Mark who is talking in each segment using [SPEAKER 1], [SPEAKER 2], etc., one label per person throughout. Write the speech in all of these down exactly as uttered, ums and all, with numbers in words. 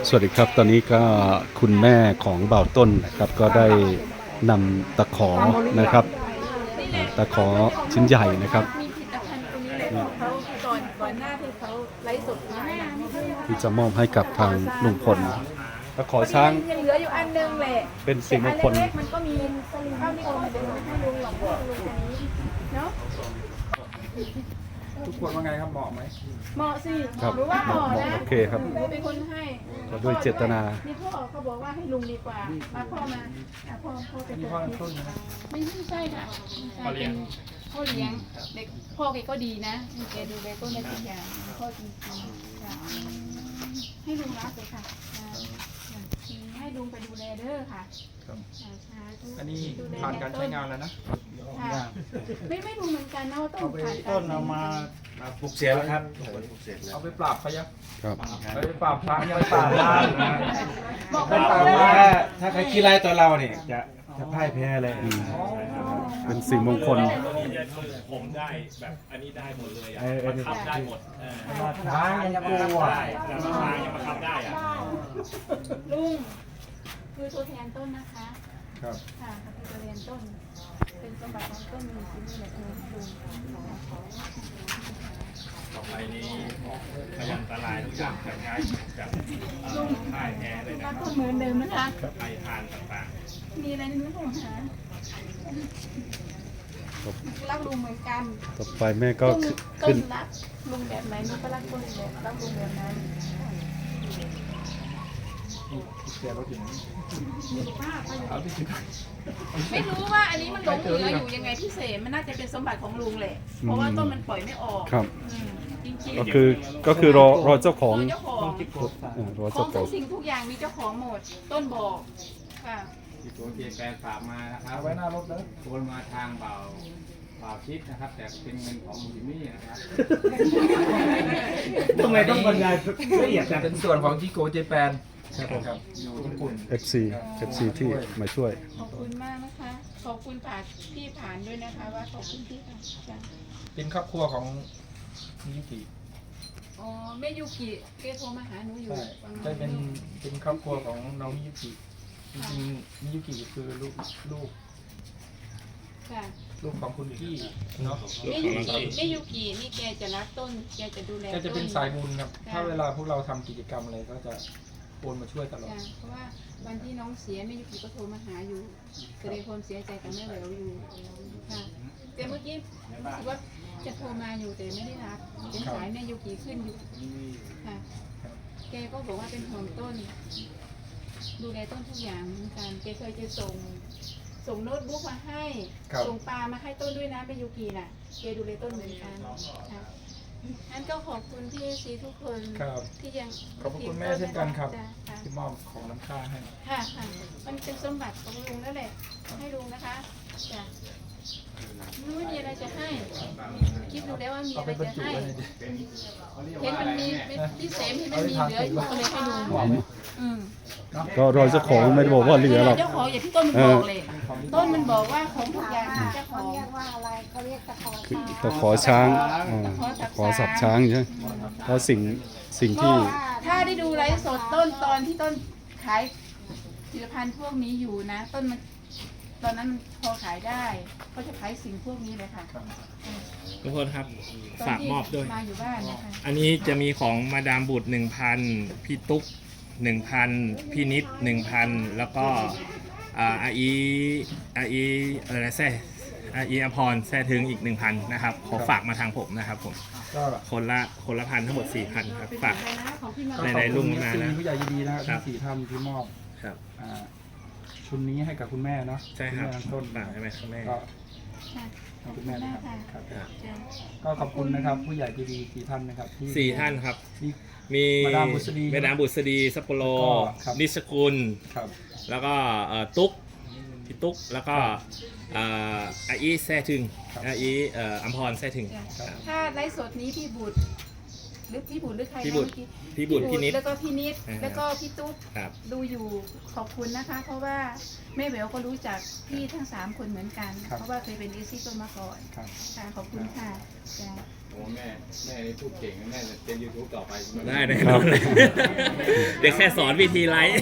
[SPEAKER 1] สวัสดีครับตอนนี้ก็คุณแม่ของเบาต้นนะครับก็ได้นำตะขอนะครับอ่าตะขอชิ้นใหญ่นะครับ
[SPEAKER 2] มีผลิตภัณฑ์ตรงนี้เลยของเขาก่อนก่อนหน้าที่เขาไลฟ์สดขายนะ
[SPEAKER 1] ที่จะมอบให้กับทางลุงพลตะขอช้าง
[SPEAKER 2] ยังเหลืออยู่อันนึงแหละ
[SPEAKER 1] เป็นสิ่งมงคล
[SPEAKER 2] แต่อันเล็กๆมันก็มีข้าวนี่ก็ไม่เป็นให้ลุงหรอกให้ลุงอันนี้เนาะ
[SPEAKER 3] ทุกคนว่าไงครับเหมาะไหม
[SPEAKER 2] เหมาะสิ
[SPEAKER 1] ครับ
[SPEAKER 2] หรือว่าเหมาะนะ
[SPEAKER 1] โอเคครับ
[SPEAKER 2] หนูเป็นคนให้
[SPEAKER 1] ก็ด้วยเจตนา
[SPEAKER 2] นี่พ่อเขาบอกว่าให้ลุงดีกว่ามาพ่อมาอ่ะพ่อพ่อเป็น
[SPEAKER 3] นี่
[SPEAKER 2] ค
[SPEAKER 3] พ่อน ต้นนะ
[SPEAKER 2] ไม่ไม่ใช่ค่ะพ่อเลี้ยงพ่อเลี้ยงเด็กพ่อแกก็ดีนะแกดูแลต้นได้ทุกอย่างพ่อจริงๆค่ะให้ลุงรับเลยค่ะอ่าให้ลุงไปดูแลเด้อค่ะ
[SPEAKER 3] ครับ
[SPEAKER 2] อ่าสาธุ
[SPEAKER 3] อันนี้
[SPEAKER 2] ดูแล
[SPEAKER 3] ผ่านการใช้งานแล้วนะ
[SPEAKER 2] ค่ะไม่ไม่รู้เหมือนกันนะว่าต้นผ่านการ
[SPEAKER 4] ต้นเอามาปลูกเสียแล้วครับปลูกเสียแล้ว
[SPEAKER 3] เอาไปปราบเขายัง
[SPEAKER 1] ครับ
[SPEAKER 3] เอาไปปราบพระยัง
[SPEAKER 4] ปราบล้าง
[SPEAKER 2] บอก
[SPEAKER 4] เป็น
[SPEAKER 2] ว่า
[SPEAKER 4] ปราบ
[SPEAKER 2] เลย
[SPEAKER 4] ล้างถ้าใครขี้ไล่ตัวเราเนี่ยจะจะพ่ายแพ้เลย
[SPEAKER 1] เป็นสิ่งมงคล
[SPEAKER 5] ผมได้แบบอันนี้ได้หมดเลยอ่ะ
[SPEAKER 4] เออเออ
[SPEAKER 5] บังคับได้หมดเออ
[SPEAKER 4] มาท้ายยังกลัว
[SPEAKER 5] ได้แต่มาทางยังบังคับได้อ่ะ
[SPEAKER 2] ลุงคือตัวแทนต้นนะคะ
[SPEAKER 3] ครับ
[SPEAKER 2] ค่ะคือตัวแทนต้น เป็นสมบัติของต้นมีชิ้นนี้แหละเออลุง
[SPEAKER 5] ต่อไปนี้พยันตรายทุกอย่างจะย้ายจากเอ่อค่ายแท้เลยนะ
[SPEAKER 2] รัก
[SPEAKER 5] ค
[SPEAKER 2] ต้
[SPEAKER 5] รับ
[SPEAKER 2] นเหมือนเดิมนะคะ
[SPEAKER 5] ไปทานต่าง
[SPEAKER 2] มีอะไรนึกผมหารักลุงเหมือนกัน
[SPEAKER 1] ต่อไปแม่ก็
[SPEAKER 2] ต้นต้
[SPEAKER 1] ขึ้
[SPEAKER 2] น
[SPEAKER 1] น
[SPEAKER 2] รักลุงแบบไหนหนูก็รักต้นแบบรักลุงแบบนั้น
[SPEAKER 3] เสียรถถึง
[SPEAKER 2] มีป้าป้าอยู่
[SPEAKER 3] เอาที่ถึง
[SPEAKER 2] ไม่รู้ว่าอันนี้มันหลงเหลืออยู่ยังไงพี่เสมมันน่าจะเป็นสมบัติของลุงแหละ เพราะว่าต้นมันปล่อยไม่ออก
[SPEAKER 1] ครับ
[SPEAKER 2] อืมจริงๆ
[SPEAKER 1] ก็คือก็คือรอรอเจ้าของ
[SPEAKER 2] เจ้าของ
[SPEAKER 1] เออรอ
[SPEAKER 2] ขอ
[SPEAKER 1] เจ้าง ข
[SPEAKER 2] ทุ
[SPEAKER 1] อง
[SPEAKER 2] กสิ่งทุกอย่างมีเจ้าของหมด ต้นบอกค่ะ
[SPEAKER 6] ที่ตัวเทียนแปลฝากมานะครั
[SPEAKER 3] เอา
[SPEAKER 6] บ
[SPEAKER 3] ไว้หน้ารถเลย
[SPEAKER 6] โอนมาทางเบาเบาชิดนะครับ แต่เป็นเงินของมูลนี่นะครับ
[SPEAKER 4] ทำไมต้องบรรยายละเอียดจัง
[SPEAKER 3] เป็นส่วนของที่โกเจแปนครับผมครับอยู่ญี่ปุ่น
[SPEAKER 1] เอฟซีเอฟซีที่มาช่วย
[SPEAKER 2] ขอบคุณมากนะคะ ขอบคุณผ่านพี่ผ่านด้วยนะคะ ว่าขอบคุณพี่ค่ะจ้ะ
[SPEAKER 3] เป็นครอบครัวของมิยุกิ
[SPEAKER 2] อ๋อแม่ยูกิเกโทรมาหาหนูอยู่
[SPEAKER 3] ใช่
[SPEAKER 2] ฟัง
[SPEAKER 3] ใช่เป็นเป็นครอบครัวของน้องมิยุกิจริงๆมิยุกิคือลูกลูก
[SPEAKER 2] ค่ะ
[SPEAKER 3] ลูกของคุณกี้เนาะ
[SPEAKER 2] แม่ยูกิแม่ยูกินี่แกจะรักต้น แกจะดูแล
[SPEAKER 3] ก็จะเป็น
[SPEAKER 2] ต้
[SPEAKER 3] สายบุญครับ ถ้าเวลาพวกเราทำกิจกรรมอะไรก็จะโอนมาช่วยตลอด
[SPEAKER 2] จ้ะเพราะว่าวันที่น้องเสียแม่ยูกิก็โทรมาหาอยู่แสดงความเสียใจกับแม่แหววอยู่ค่ะแต่เมื่อกี้รู้สึกว่าจะโทรมาอยู่แต่ไม่ได้รับเป็นสายแม่ยูกิขึ้นอยู่ค่ะแกก็บอกว่าเป็นห่วงต้น ดูแลต้นทุกอย่างเหมือนกันแกเคยจะส่งส่งโน้ตบุ๊กมาให้
[SPEAKER 3] ครับ
[SPEAKER 2] ส่งปลามาให้ต้นด้วยนะแม่ยูกิน่ะแกดูแลต้นเหมือนกันค่ะงั้นก็ขอบคุณพี่ซีทุกคน
[SPEAKER 3] ครับ
[SPEAKER 2] ที่ยัง
[SPEAKER 3] ขอบพระคุณแม่เช่นกันครับ
[SPEAKER 2] จ้ะค่ะ
[SPEAKER 3] ที่มอบของน้ำค่าให้
[SPEAKER 2] ค่ะค่ะมันเป็นสมบัติของลุงนั่นแหละให้ลุงนะคะจ้ะไม่มีอะไรจะให้ คิดดูแล้วว่ามี
[SPEAKER 3] เอา
[SPEAKER 2] อะไร
[SPEAKER 3] ไปบรร
[SPEAKER 2] จะ
[SPEAKER 3] จุ
[SPEAKER 2] ให้
[SPEAKER 3] ไว้ใน
[SPEAKER 2] เห็นมันมีพี่เสมเห็นมันมีเหลืออยู่ก็เลยให้ลุงอืม
[SPEAKER 1] ก็รอเจ้าของไม่ได้บอกว่าเหลือหรอก
[SPEAKER 2] เจ้าของอย่างที่ต้นมันบอกเลยต้นมันบอกว่าของทุกอย่างมีเจ้าของ
[SPEAKER 7] เรียกว่าอะไรเขาเรียกตะขอ
[SPEAKER 1] คือ
[SPEAKER 7] ช้าง
[SPEAKER 1] ตะขอช้างอ่าตะขอสับช้างใช่ไหมเพราะสิ่งสิ่งที่
[SPEAKER 2] ถ้าได้ดูไลฟ์สดต้นตอนที่ต้นขายผลิตภัณฑ์พวกนี้อยู่นะ ต้นมันตอนนั้นพอขายได้ก็จะขายสิ่งพวกนี้เลยค่ะ
[SPEAKER 5] ทุกคนครับ
[SPEAKER 2] ตอน
[SPEAKER 5] ฝาก
[SPEAKER 2] ที่
[SPEAKER 5] มอบด้วย
[SPEAKER 2] มาอยู่บ้านนะคะ
[SPEAKER 5] อันนี้จะมีของมาดามบุตรหนึ่งพันพี่ตุ๊กหนึ่งพันพี่นิดหนึ่งพันแล้วก็อ่าอาอีอาอีอะไรนะแซ่อาอีอภรแซ่ถึงอีกหนึ่งพันนะครับขอฝากมาทางผมนะครับผม
[SPEAKER 3] ก็
[SPEAKER 5] คนละคนละพันทั้งหมดสี่พันครับฝาก
[SPEAKER 2] ไปนะของพี่มา
[SPEAKER 5] ใน
[SPEAKER 3] ขอบ
[SPEAKER 5] รุ่
[SPEAKER 3] คุณ
[SPEAKER 5] งมา
[SPEAKER 3] ซี
[SPEAKER 5] นะ
[SPEAKER 3] ผู้ใหญ่ดีๆนะครับ
[SPEAKER 5] ครั
[SPEAKER 3] ทั้
[SPEAKER 5] บ
[SPEAKER 3] งสี่ท่านที่มอบ
[SPEAKER 5] ครับ
[SPEAKER 3] อ่าชุดนี้ให้กับคุณแม่เนาะ
[SPEAKER 5] ใช่ครับ
[SPEAKER 3] ณแม่ต้น
[SPEAKER 5] ฝากใช่ไหมครับแม่
[SPEAKER 3] ก็
[SPEAKER 2] ค่ะ
[SPEAKER 3] ให้คุณแม่นะครับครับ
[SPEAKER 5] ครับ
[SPEAKER 2] จ้ะ
[SPEAKER 3] ก็ขอบคุณนะครับผู้ใหญ่ดีๆสี่ท่านนะครับที่
[SPEAKER 5] สี่ท่านครับ
[SPEAKER 3] ที่
[SPEAKER 5] มี
[SPEAKER 3] มาดามบุษดี
[SPEAKER 5] แม่ดามบุษดีซัปโปโร
[SPEAKER 3] แล้วก็ครับ
[SPEAKER 5] นิสกุล
[SPEAKER 3] ครับ
[SPEAKER 5] แล้วก็เอ่อตุ๊กพี่ตุ๊กแล้วก็เอ่ออาอีแซ่ถึงอาอีเอ่ออัมพรแซ่ถึง
[SPEAKER 2] จ้ะ
[SPEAKER 5] ครับ
[SPEAKER 2] ถ้าไลฟ์สดนี้พี่บุตรหรือพี่บุตรหรือใครนะ
[SPEAKER 5] พี่บุตร
[SPEAKER 2] เมื่อกี้
[SPEAKER 5] พี่บุตรพี่นิด
[SPEAKER 2] แล้วก็พี่นิด
[SPEAKER 5] อ่า
[SPEAKER 2] แล้วก็พี่ตุ๊ก
[SPEAKER 5] ครับ
[SPEAKER 2] ดูอยู่ขอบคุณนะคะ เพราะว่าแม่แหววก็รู้จักพี่ทั้งสามคนเหมือนกัน
[SPEAKER 3] ครับ
[SPEAKER 2] เพราะว่าเคยเป็นเอซี่ต้นมาก่อน
[SPEAKER 3] ครับ
[SPEAKER 2] ค่ะขอบคุณค่ะจ้ะ
[SPEAKER 6] โอ้แม่แม่นี่พูดเก่งนะแม่จะเป็นยูทูบต่อไปใช่ไหม
[SPEAKER 5] ได้แน่นอนเลยเดี๋ยวแค่สอนวิธีไลฟ์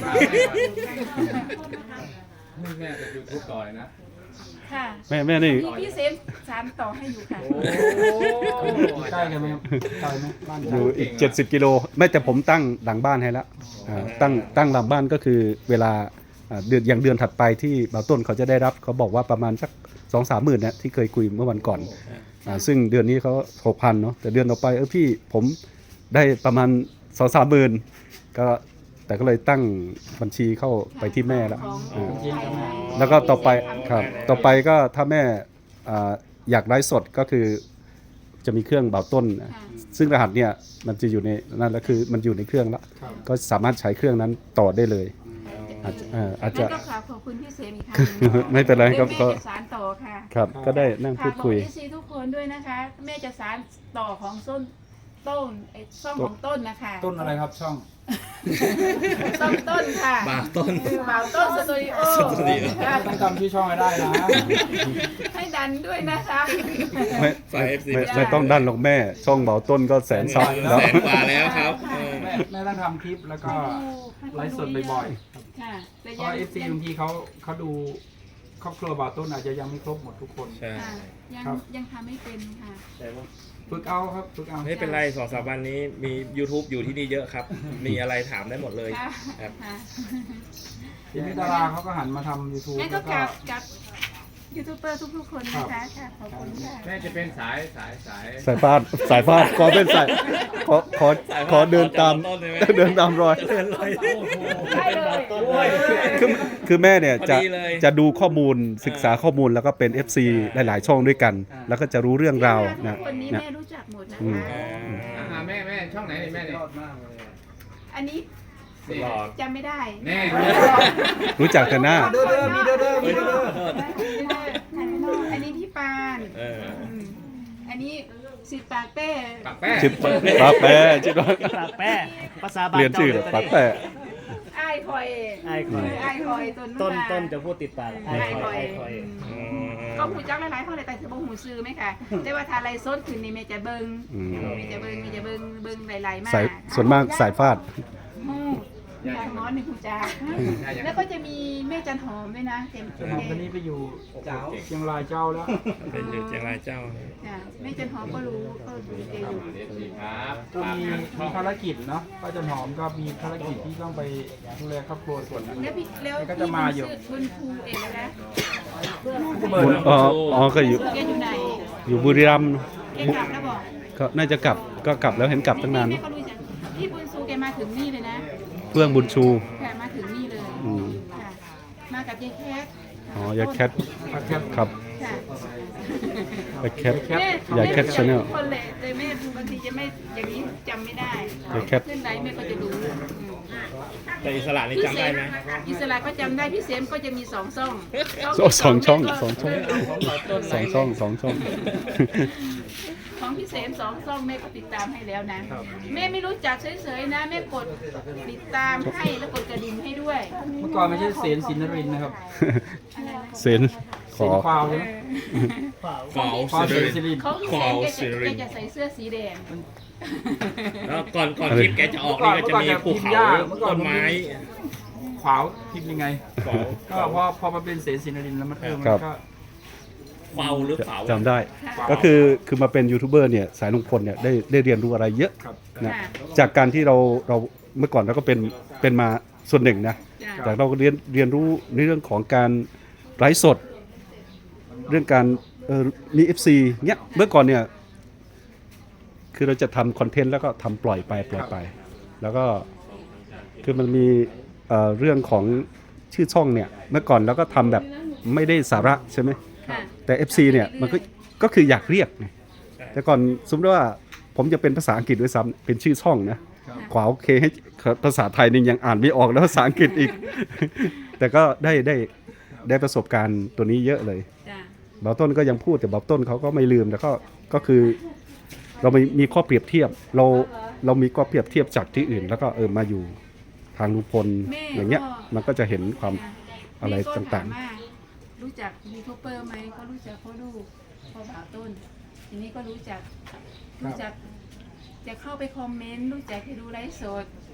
[SPEAKER 6] นี่แม่จะยูทูบต่อยนะ
[SPEAKER 2] ค่ะ
[SPEAKER 1] แม่แม่นี่
[SPEAKER 2] พี่พี่เซฟสานต่อให้อยู่ค่ะ
[SPEAKER 3] ใกล้กันไหมครับใกล้ไหมบ้าน
[SPEAKER 1] อยู่อีกเจ็ดสิบกิโลไม่แต่ผมตั้งหลังบ้านให้แล้วอ่าตั้งตั้งหลังบ้านก็คือเวลาอ่าเดือนอย่างเดือนถัดไปที่บ่าวต้นเขาจะได้รับเขาบอกว่าประมาณสักสองสามหมื่นเนี่ยที่เคยคุยเมื่อวันก่อนอ่าซึ่งเดือนนี้เขาหกพันเนาะแต่เดือนต่อไปเออพี่ผมได้ประมาณสองสามหมื่นก็แต่ก็เลยตั้งบัญชีเข้าไปที่แม่แล้ว
[SPEAKER 2] ของ
[SPEAKER 1] อ่า
[SPEAKER 3] จริงๆแม่
[SPEAKER 1] แล้วก็ต่อไปครับต่อไปก็ถ้าแม่อ่าอยากไลฟ์สดก็คือจะมีเครื่องบ่าวต้นนะ
[SPEAKER 2] ค่ะ
[SPEAKER 1] ซึ่งรหัสเนี่ยมันจะอยู่ในนั่นแล้วคือมันอยู่ในเครื่องแล้ว
[SPEAKER 3] ครับ
[SPEAKER 1] ก็สามารถใช้เครื่องนั้นต่อได้เลยอาจจะเอ่ออาจจะ
[SPEAKER 2] งั้นก็ขอขอบคุณพี่เซมอีกครั้งหนึ่ง
[SPEAKER 1] ไม่เป็นไรครับ
[SPEAKER 2] เดี๋ยว
[SPEAKER 1] ก็
[SPEAKER 2] แม่จะสานต่อค่ะ
[SPEAKER 1] ครับก็ได้นั่งพู
[SPEAKER 2] ค่ะ
[SPEAKER 1] ด
[SPEAKER 2] บอ
[SPEAKER 1] คุ
[SPEAKER 2] ก
[SPEAKER 1] ย
[SPEAKER 2] เอซีทุกคนด้วยนะคะ แม่จะสานต่อของส้นต้นไอ้ซ่องของต้นนะคะ
[SPEAKER 3] ต้นอะไรครับช่อง
[SPEAKER 2] ซ่องต้นค่ะ
[SPEAKER 5] บ่าวต้น
[SPEAKER 2] คือบ่าวต้นสตูดิโอ
[SPEAKER 5] สตูดิโอ
[SPEAKER 2] ค่ะ
[SPEAKER 3] ต้องจำชื่อช่องให้ได้นะ
[SPEAKER 2] ให้ดันด้วยนะคะ
[SPEAKER 1] ไม่
[SPEAKER 5] ฝ่าย เอฟ ซี
[SPEAKER 1] ไม่ไม่ต้องดันหรอกแม่ ช่องเบาต้นก็แสนซับแล้ว
[SPEAKER 5] แสนกว่าแล้วครับเออ
[SPEAKER 3] แม่แม่ต้องทำคลิปแล้วก็ไลฟ์สดบ่อยๆครับ
[SPEAKER 2] ค่ะแต่
[SPEAKER 3] เพ
[SPEAKER 2] ยั
[SPEAKER 3] ราะ
[SPEAKER 2] ง
[SPEAKER 3] เอฟซีบางทีเขาเขาดูครอบครัวบ่าวต้นอาจจะยังไม่ครบหมดทุกคน
[SPEAKER 5] ใช่
[SPEAKER 2] ค่ะยัง
[SPEAKER 3] ครับ
[SPEAKER 2] ยังทำไม่เป็นค่ะ
[SPEAKER 3] ฝึกเอาครับฝึกเอา
[SPEAKER 5] ไม่เป็นไรสองสามวันนี้มี YouTube อยู่ที่นี่เยอะครับ มีอะไรถามได้หมดเลย
[SPEAKER 2] ค่ะ
[SPEAKER 5] ครับ
[SPEAKER 2] ค่ะ
[SPEAKER 3] ทีนี้ดาราเขาก็หันมาทำ YouTube
[SPEAKER 2] งั้น
[SPEAKER 3] แล้
[SPEAKER 2] ก็
[SPEAKER 3] ว
[SPEAKER 2] ก
[SPEAKER 3] ก็
[SPEAKER 2] ลับกับยูทูบเบอร์ทุกๆคนนะคะค่ะขอบคุณค่ะ
[SPEAKER 6] แม่จะเป็นสายสายสาย
[SPEAKER 1] สายฟาดสายฟาดขอเป็นสายขอขอขอเดินตาม
[SPEAKER 5] ต้นเลยไหม
[SPEAKER 1] เดินตามรอย
[SPEAKER 5] เดินเลย
[SPEAKER 2] ได้เลย
[SPEAKER 1] คือคือแม่เนี่ยจะ
[SPEAKER 5] พอดีเลย
[SPEAKER 1] จะดูข้อมูลศึกษาข้อมูลแล้วก็เป็น เอฟ ซี หลาย ๆ ช่องด้วยกัน แล้วก็จะรู้เรื่องราว
[SPEAKER 2] ทุ
[SPEAKER 1] นะ
[SPEAKER 2] กคนนี้
[SPEAKER 1] นะ
[SPEAKER 2] แม่รู้จักหมดนะ
[SPEAKER 1] อืม
[SPEAKER 2] คะ
[SPEAKER 6] อ่าแม่แม่ช่องไหนนี่แม่เนี่ย
[SPEAKER 2] อันนี้
[SPEAKER 5] หลอด
[SPEAKER 2] จำไม่ได้
[SPEAKER 6] แน่
[SPEAKER 1] รู้จักแต่หน้า
[SPEAKER 3] เด้อเด้อมีเด้อเด้อมีเด้อเด้อ
[SPEAKER 2] อันนี้พี่ปาน
[SPEAKER 5] เออ
[SPEAKER 2] มอันนี้สิปากเป้
[SPEAKER 6] ปากแป้
[SPEAKER 1] ชิบปาแปะชิบ
[SPEAKER 8] ปากแป้ภาษาบาล
[SPEAKER 1] เรียนชื่อเหรอปาแปะ
[SPEAKER 2] ไอ้ายคอย
[SPEAKER 8] ไอ้คอย
[SPEAKER 2] ไอ้ายคอยต้น
[SPEAKER 8] ต้น
[SPEAKER 2] มา
[SPEAKER 8] ต้นจะพูดติดปากไอ้
[SPEAKER 2] ไอ้าย
[SPEAKER 8] ค
[SPEAKER 2] ค
[SPEAKER 8] อ
[SPEAKER 2] อย ย
[SPEAKER 8] ไอ้คอย
[SPEAKER 2] อืมก็หูจักหลายๆคนเลยแต่คือบ่หูซื้อไหมคะแต่ว่าถ้าไรซดขึ้นนี่แม่จะเบิ่ง
[SPEAKER 1] อืม
[SPEAKER 2] แม่จะเบิ่งแม่จะเบิ่งเบิ่งหลายๆมาก
[SPEAKER 1] สายส่วนมากสายฟาด
[SPEAKER 2] หูอย่างน้อยหนึ่งหูจักแล้วก็จะมีแม่จันหอมด้วยนะเต็ม
[SPEAKER 3] จนหอมตอนนี้ไปอยู่เชียงรายเจ้าแล้ว
[SPEAKER 5] เป็นอยู่เชียงรายเจ้า
[SPEAKER 2] จ้ะแม่จันหอมก็รู้ก็รู้แกอยู่
[SPEAKER 6] เอฟซีครับ
[SPEAKER 3] ก็มีมีภารกิจเนาะป้าจันหอมก็มีภารกิจที่ต้องไปดูแลครอบครัวส่วนหนึ่ง
[SPEAKER 2] แล้วพี่แล้ว
[SPEAKER 3] ก็
[SPEAKER 2] พี่
[SPEAKER 3] จะ
[SPEAKER 2] บุ
[SPEAKER 3] มา
[SPEAKER 2] ญ
[SPEAKER 3] อยู่
[SPEAKER 2] ซื้อบุญครูเองนะ
[SPEAKER 1] อ๋ออ๋อก็อยู่
[SPEAKER 2] แกอยู่ไหน
[SPEAKER 1] อยู่บุรีรัมย์
[SPEAKER 2] แกกลับแล้วบอก
[SPEAKER 1] ก็น่าจะกลับก็กลับแล้วเห็นกลับตั้งนาน
[SPEAKER 2] แม่ก็รู้จักพี่บุญซูแกมาถึงนี่เลยนะ
[SPEAKER 1] เพื่องบุญชู
[SPEAKER 2] ค่ะมาถึงนี่เลย
[SPEAKER 1] อืม
[SPEAKER 2] ค่ะมากับยายแคท
[SPEAKER 1] อ๋อยายแคท
[SPEAKER 3] ครับแคป
[SPEAKER 1] ครับ
[SPEAKER 2] ค่ะ
[SPEAKER 1] ยายแคท
[SPEAKER 2] แม่
[SPEAKER 1] ยายแคท Channel
[SPEAKER 2] ทุกคนเลยแต่แม่บางทีจะไม่อย่างนี้จำไม่ได้
[SPEAKER 1] ยายแคท
[SPEAKER 2] ขึ้นไลฟ์แม่ก็จะรู้อืม
[SPEAKER 5] แต่อิสระนี่จำได้ไหม
[SPEAKER 2] อิสระก็จำได้พี่เซมก็จะมีสองซ่อง
[SPEAKER 1] โอ้สองช่อง
[SPEAKER 2] แม่ก็
[SPEAKER 1] สองช่อง สองช่องสองช่อง
[SPEAKER 2] ของพี่เซมสองซ่องแม่ก็ติดตามให้แล้วนะ แม่ไม่รู้จักเฉยๆนะแม่กดติดตามให้แล้วกดกระดิ่งให้ด้วย
[SPEAKER 3] เมื่อก่อนไม่ใช่เสนสินนรินทร์นะครับ
[SPEAKER 2] อะไรนะ
[SPEAKER 1] เซนข
[SPEAKER 3] เส
[SPEAKER 1] อน
[SPEAKER 3] ควาวใช่ไหม
[SPEAKER 5] ขาว
[SPEAKER 3] ควาว
[SPEAKER 5] สิ
[SPEAKER 3] เสน
[SPEAKER 5] ริ
[SPEAKER 3] สิรินทร์
[SPEAKER 2] ของพี่เซมแกจะแกจะใส่เสื้อสีแดง
[SPEAKER 5] แล้วก่อนก่อนคลิปแกจะออกนี่ก็จะมีภูเขาต้นไม้
[SPEAKER 3] ขวาวพิมพ์ยังไง
[SPEAKER 5] ขาว
[SPEAKER 3] ก็พอพอมาเป็นเสนสินนรินทร์แล้วมันเออมันก็
[SPEAKER 5] เฝ้าหรือเปล่า
[SPEAKER 1] จำได้ ก็คือคือมาเป็นยูทูบเบอร์เนี่ยสายลุงพลเนี่ยได้ได้เรียนรู้อะไรเยอะ
[SPEAKER 3] ครับ
[SPEAKER 1] นะ
[SPEAKER 2] ค่ะ
[SPEAKER 1] จากการที่เราเราเมื่อก่อนเราก็เป็นเป็นมาส่วนหนึ่งนะ
[SPEAKER 2] จ้ะ
[SPEAKER 1] จากเราก็เรียนเรียนรู้ในเรื่องของการไลฟ์สด เรื่องการเออมี เอฟ ซี เนี้ยเมื่อก่อนเนี่ยคือเราจะทำคอนเทนต์แล้วก็ทำปล่อยไปปล่อยไป แล้วก็คือมันมีเอ่อเรื่องของชื่อช่องเนี่ยเมื่อก่อนเราก็ทำแบบไม่ได้สาระใช่ไหม
[SPEAKER 2] ค่ะ
[SPEAKER 1] แต่ เอฟ ซี เนี่ยมันก็ก็คืออยากเรียกไงแต่ก่อนสมมติว่าผมจะเป็นภาษาอังกฤษด้วยซ้ำเป็นชื่อช่องนะขวาโอเคให้ภาษาไทยนี่ยังอ่านไม่ออกแล้วภาษาอังกฤษอีก แต่ก็ได้ได้ได้ประสบการณ์ตัวนี้เยอะเลย
[SPEAKER 2] จ้ะ
[SPEAKER 1] บ่าวต้นก็ยังพูดแต่บ่าวต้นเขาก็ไม่ลืมแล้วก็ก็คือเรามีมีข้อเปรียบเทียบเราเรามีข้อเปรียบเทียบจากที่อื่น แล้วก็เออมาอยู่ทางลุงพล
[SPEAKER 2] แม่
[SPEAKER 1] อย่างเงี้ย
[SPEAKER 2] ก็
[SPEAKER 1] มันก็จะเห็นความ
[SPEAKER 2] ค่ะ
[SPEAKER 1] อะไร
[SPEAKER 2] แม่ก็
[SPEAKER 1] ต่างๆ
[SPEAKER 2] ถมว่รู้จักยูทูบเบอร์ไหมก็รู้จักพ่อลูกพ่อบ่าวต้นทีนี้ก็รู้จักรู้จักจะเข้าไปคอมเมนต์รู้จักให้ดูไลฟ์สด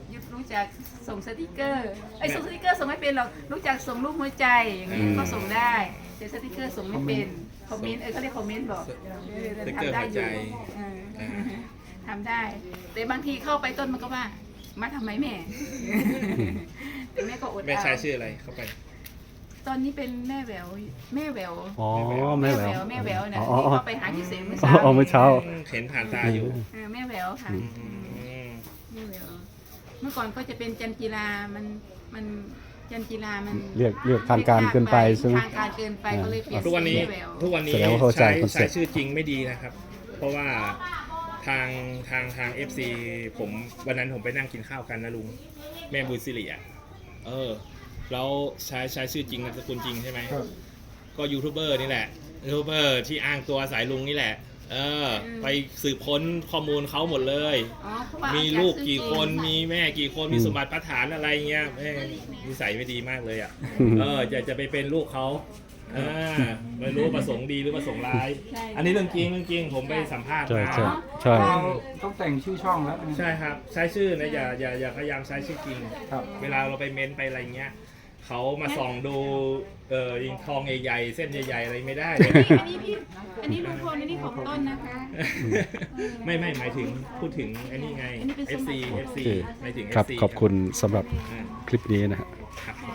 [SPEAKER 2] รู้จักส่งสติกเกอร์ไอ้ยส่งสติกเกอร์ส่งไม่เป็นหรอกรู้จักส่งรูปหัวใจอย่างเงี้ยก็ส่งได้แต่สติกเกอร์ส่งไม่เป็นคอมเมนต์เออเขาเรียกคอมเมนต์บอกเออ
[SPEAKER 5] สติกเกอร์
[SPEAKER 2] ทำได้
[SPEAKER 5] หัว
[SPEAKER 2] อ
[SPEAKER 5] ใจ
[SPEAKER 2] ยู่เออทำได้ แต่บางทีเข้าไปต้นมันก็ว่ามาทำไมแม่แต่แม่ก็อด
[SPEAKER 5] แม่
[SPEAKER 2] เอา
[SPEAKER 5] ใช้ชื่ออะไรเข้าไป
[SPEAKER 2] ตอนนี้เป็นแม่แหววแม่แหวว
[SPEAKER 1] อ๋อแม่แหวว
[SPEAKER 2] แม่แหววเนี่ย
[SPEAKER 1] อ๋อ
[SPEAKER 2] ที่เขาไปหาที่เสงเมื่อ
[SPEAKER 1] อ๋
[SPEAKER 2] เช้า
[SPEAKER 1] อเมื่อเช้า
[SPEAKER 5] เห็นผ่านตาอยู่
[SPEAKER 2] เออแม่แหววค่ะ
[SPEAKER 5] อืม
[SPEAKER 2] แม่แหววเมื่อก่อนก็จะเป็นจันจีรามันมันจันจีรามัน
[SPEAKER 1] เรียกเรียกทางการเกินไปใช่ไหม
[SPEAKER 2] ทางการเกินไปก็เลยเปลี่ยน
[SPEAKER 5] ทุกวันนี้
[SPEAKER 2] แม่แหวว
[SPEAKER 5] ทุกวันนี้
[SPEAKER 1] แสดงว่าเข้าใจ
[SPEAKER 5] ใช้
[SPEAKER 1] คอนเซ็
[SPEAKER 5] ใช้
[SPEAKER 1] ปต์
[SPEAKER 5] ชื่อจริงไม่ดีนะครับ เพราะว่าทางทางทาง เอฟ ซี ผมวันนั้นผมไปนั่งกินข้าวกันนะลุงแม่บุญสิริอ่ะเออแล้วใช้ใช้ชื่อจริงนามสกุลจริงใช่ไหม
[SPEAKER 3] ครับ
[SPEAKER 5] ก็ยูทูบเบอร์นี่แหละยูทูบเบอร์ที่อ้างตัวสายลุงนี่แหละ เออ ไปสืบค้นข้อมูลเขาหมดเลย
[SPEAKER 2] อ๋อเพราะว่า
[SPEAKER 5] มี
[SPEAKER 2] เอาจาก
[SPEAKER 5] ลูก
[SPEAKER 2] ชื่อ
[SPEAKER 5] กี่
[SPEAKER 2] จริง
[SPEAKER 5] คนมีแม่กี่คนมีสมบัติประฐานอะไรเงี้ยแม่งนิสัยไม่ดีมากเลยอ่ะเออจะจะไปเป็นลูกเขาอ่าไม่รู้ประสงค์ดีหรือประสงค์ร้าย
[SPEAKER 2] ใช่
[SPEAKER 5] อันนี้เรื่องจริงเรื่องจริงผมไปสัมภาษณ์
[SPEAKER 1] ใช่
[SPEAKER 5] มา
[SPEAKER 1] ใช่ใช่
[SPEAKER 3] เราต้องแต่งชื่อช่องแล้วนะ
[SPEAKER 5] ใช่ครับใช้ชื่อนะอย่าอย่าอย่าพยายามใช้ชื่อจริง
[SPEAKER 3] ครับ
[SPEAKER 5] เวลาเราไปเม้นไปอะไรเงี้ยเขามาส่องดูเออยิงทองใหญ่ๆเส้นใหญ่ๆอะไรไม่ได้เลย
[SPEAKER 2] นี่อันนี้พี่อันนี้ลุงพลอันนี้ของต้นนะคะ
[SPEAKER 5] ไม่ไม่หมายถึงพูดถึงอันนี้ไง
[SPEAKER 2] อันนี้เป็นสมบั
[SPEAKER 5] เอฟ ซี
[SPEAKER 2] ติของ
[SPEAKER 5] เอฟ ซี
[SPEAKER 1] โอเค
[SPEAKER 5] หมายถึง
[SPEAKER 1] ครับ
[SPEAKER 5] เอฟซี
[SPEAKER 1] ขอบคุณสำหรับ
[SPEAKER 5] อ่า
[SPEAKER 1] คลิปนี้นะฮะ
[SPEAKER 5] ครับ